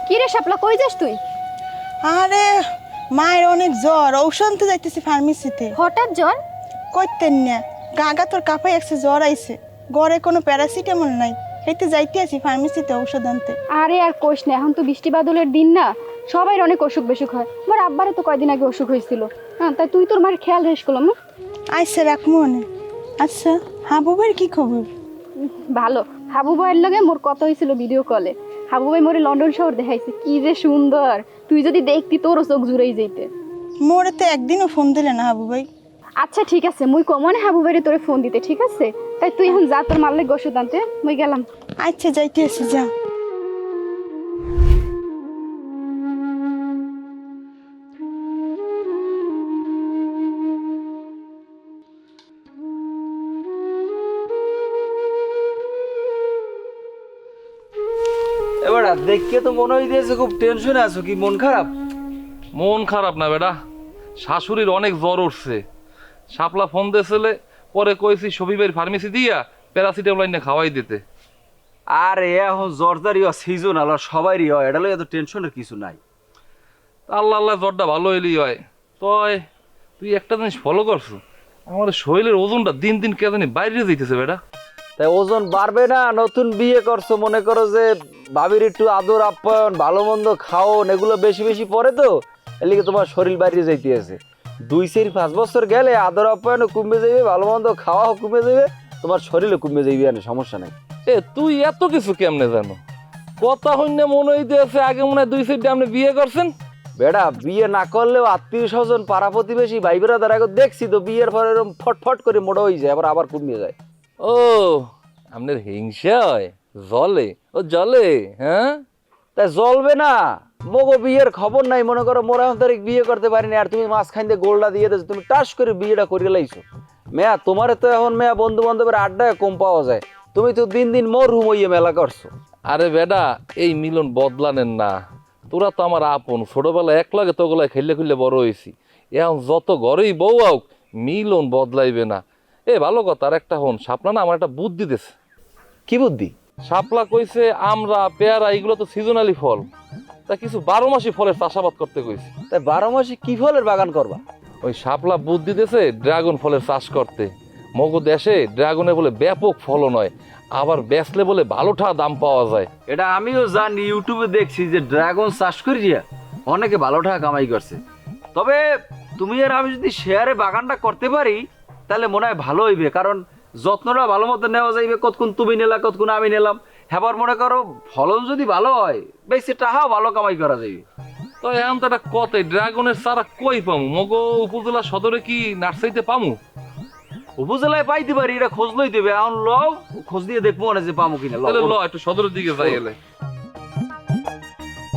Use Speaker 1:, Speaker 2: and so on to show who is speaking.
Speaker 1: কি রে শাপলা, কই যাস তুই?
Speaker 2: আরে মায়ের অনেক জ্বর, ঔষধ আনতে যাইতেছি ফার্মেসিতে।
Speaker 1: হঠাৎ জ্বর?
Speaker 2: কইতেন না, গাগা তোর কাপাই একসে জ্বর আইছে, ঘরে কোনো প্যারাসিটামল নাই, হেঁটে যাইতে আছি ফার্মেসিতে ঔষধ আনতে।
Speaker 1: আরে আর কোষ না, এখন তো বৃষ্টি বাদলের দিন না, সবাই অনেক অসুখ বেসুখ হয়। আমার আব্বারও তো কয়দিন আগে অসুখ হয়েছিল। হ্যাঁ, তাই তুই তোর মায়ের খেয়াল রেস করলাম না।
Speaker 2: আইসে রাখ মনে। আচ্ছা হাবু ভাইয়ের কি খবর?
Speaker 1: ভালো। হাবু ভাইয়ের লগে মোর কথা হয়েছিল ভিডিও কলে। হাবু ভাই মোরে লন্ডন শহর দেখাইছে, কি যে সুন্দর, তুই যদি দেখতি তোরও চোখ জুড়েই যেতে।
Speaker 2: মোরে তো একদিনও ফোন দিলে না হাবু ভাই।
Speaker 1: আচ্ছা ঠিক আছে, মুই কমনে হাবু ভাইরে তোরে ফোন দিতে, ঠিক আছে? তাই তুই এখন যা, তোর মারলে ওষুধ আনতে, মুই গেলাম।
Speaker 2: আচ্ছা যাইতে আছি, যা।
Speaker 3: এবার দেখে তো মনে হইতেছে খুব টেনশনে আছো, কি মন খারাপ?
Speaker 4: মন খারাপ না বেটা, শাশুড়ির অনেক জ্বর উঠছে। শাপলা ফোন দিয়েছিলে, পরে কইছি শফিবের ফার্মেসি দিয়া প্যারাসিটামল এনে খাওয়াই দিতে।
Speaker 3: আরে এখন জ্বরদারি সিজনাল, আর সবারই হয়, এটা লইয়া এত টেনশনের কিছু নাই।
Speaker 4: আল্লাহ আল্লাহ জ্বরটা ভালো হইলেই হয়। তয় তুই একটা জিনিস ফলো করছো, আমার শরীরের ওজনটা দিন দিন কে জানি বাইরে যেতেছে বেটা।
Speaker 3: তাই ওজন বাড়বে না? নতুন বিয়ে করছো, মনে করো যে ভাবির একটু আদর আপ্যায়ন, ভালো মন্দ খাওন, এগুলো বেশি বেশি পরে তো এর লিগে তোমার শরীর বাইরে যাইতে আছে। 2-5 বছর গেলে আদর আপ্যায়নও কমে যাবে, ভালো মন্দ খাওয়াও কমে যাবে, তোমার শরীরও কমে যাবে, আর সমস্যা নাই।
Speaker 4: এ তুই এত কিছু কেমনে জানো? কথা হইনে মনে হইতেছে আগে মনে হয় 2 সাইডে আপনি বিয়ে করছেন।
Speaker 3: বেটা বিয়ে না করলেও আত্মীয় স্বজন, পাড়া প্রতিবেশী, ভাই বেড়াদার আগে দেখছি তো বিয়ের পরে এরকম ফটফট করে মোটা হয়ে যায়, আবার কমিয়ে যায়।
Speaker 4: ও আপনার হিংসা হয়, জলে ও জলে, হ্যাঁ?
Speaker 3: তাই জ্বলবে না? মগো বিয়ের খবর নাই, মনে করো মোরা তারিখ বিয়ে করতে পারিনি, আর তুমি মাঝখান দিয়ে গোলটা দিয়ে দিয়েছো, তুমি টাস করে বিয়েটা করে লাইছো। মেয়া তোমার তো এখন মেয়া বন্ধু বান্ধবের আড্ডায় কম পাওয়া যায়, তুমি তো দিন দিন মরহুম হইয়ে মেলা করছো।
Speaker 4: আরে বেডা, এই মিলন বদলানেন না। তোরা তো আমার আপন, ছোটবেলায় এক লাগে তোগুলায় খেললে খুললে বড় হয়েছি। এখন যত ঘরেই বউ আউক, মিলন বদলাইবে না। এ ভালো কথা, আর একটা হন, শাপলা না আমার একটা বুদ্ধি দিতেছে।
Speaker 3: কি বুদ্ধি?
Speaker 4: শাপলা কইছে আমরা পেয়ারা এগুলো তো সিজনালি ফল, তা কিছু 12 মাসি ফলের চাষাবাদ করতে কইছে।
Speaker 3: তাই 12 মাসে কি ফলের বাগান করবা?
Speaker 4: ওই শাপলা বুদ্ধি দিতেছে ড্রাগন ফলের চাষ করতে। মগো দেশে ড্রাগনের বলে ব্যাপক ফলন হয়, আবার বেচলে বলে ভালো দাম পাওয়া যায়।
Speaker 3: এটা আমিও জানি, ইউটিউবে দেখছি যে ড্রাগন চাষ করিয়া অনেকে ভালো টাকা কামাই করছে। তবে তুমি আর আমি যদি শেয়ারে বাগানটা করতে পারি তাহলে মনে হয় ভালো হইবে, কারণ যত্নটা ভালো মতো নেওয়া যাইবে, কতক্ষণ তুমি নিলা কতক্ষণ আমি নিলাম। হেবার মনে করো ফলন যদি ভালো হয়, বেশি টাকাও ভালো কামাই করা যাইবে।
Speaker 4: তো এখন তো একটা কথাই, ড্রাগনের চারা কই পামু? মগো উপজেলা সদরে কি নার্সারিতে পামু?
Speaker 3: উপজেলায় পাইতে পারি, এটা খোঁজ লই দেবে। এখন লও, খোঁজ দিয়ে দেখবো না যে পামো কিনা।
Speaker 4: তাহলে ল একটু সদরের দিকে যাই এলে।